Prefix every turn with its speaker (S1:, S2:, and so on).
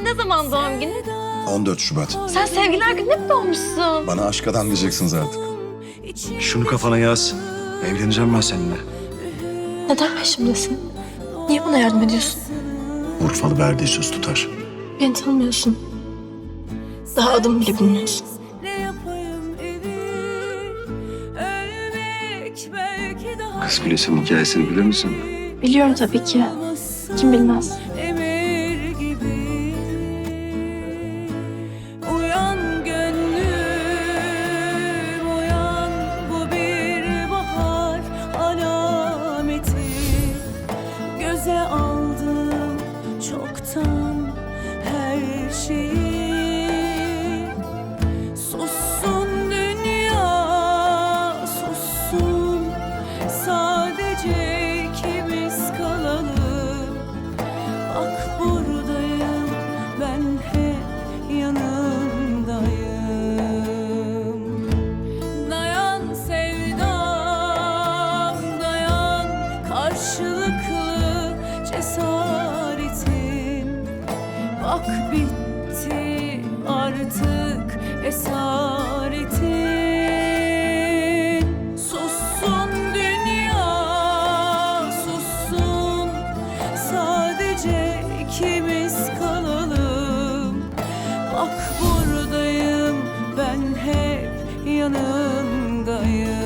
S1: Ne zaman doğum günü?
S2: 14 Şubat.
S1: Sen sevgililer gününe mi doğmuşsun?
S2: Bana aşk adam diyeceksiniz artık.
S3: Şunu kafana yaz. Evleneceğim ben seninle.
S1: Neden peşimdesin? Niye bana yardım ediyorsun?
S2: Urfalı verdiği söz tutar.
S1: Beni tanımıyorsun. Daha adımı bile bilmiyorsun.
S3: Kız Kulesi'nin hikayesini bilir misin?
S1: Biliyorum tabii ki. Kim bilmez?
S4: Emir gibi uyan gönlüm uyan, bu bir bahar alameti. Göze aldım çoktan her şeyi. Sussun dünya, sussun, sadece ikimiz kalalım. Bak buradayım, ben hep yanındayım. Dayan sevdam, dayan, karşılıklı cesaretin. Bak bitti artık esaretin. Sussun dünya, sussun, sadece ikimiz kalalım. Bak buradayım, ben hep yanındayım.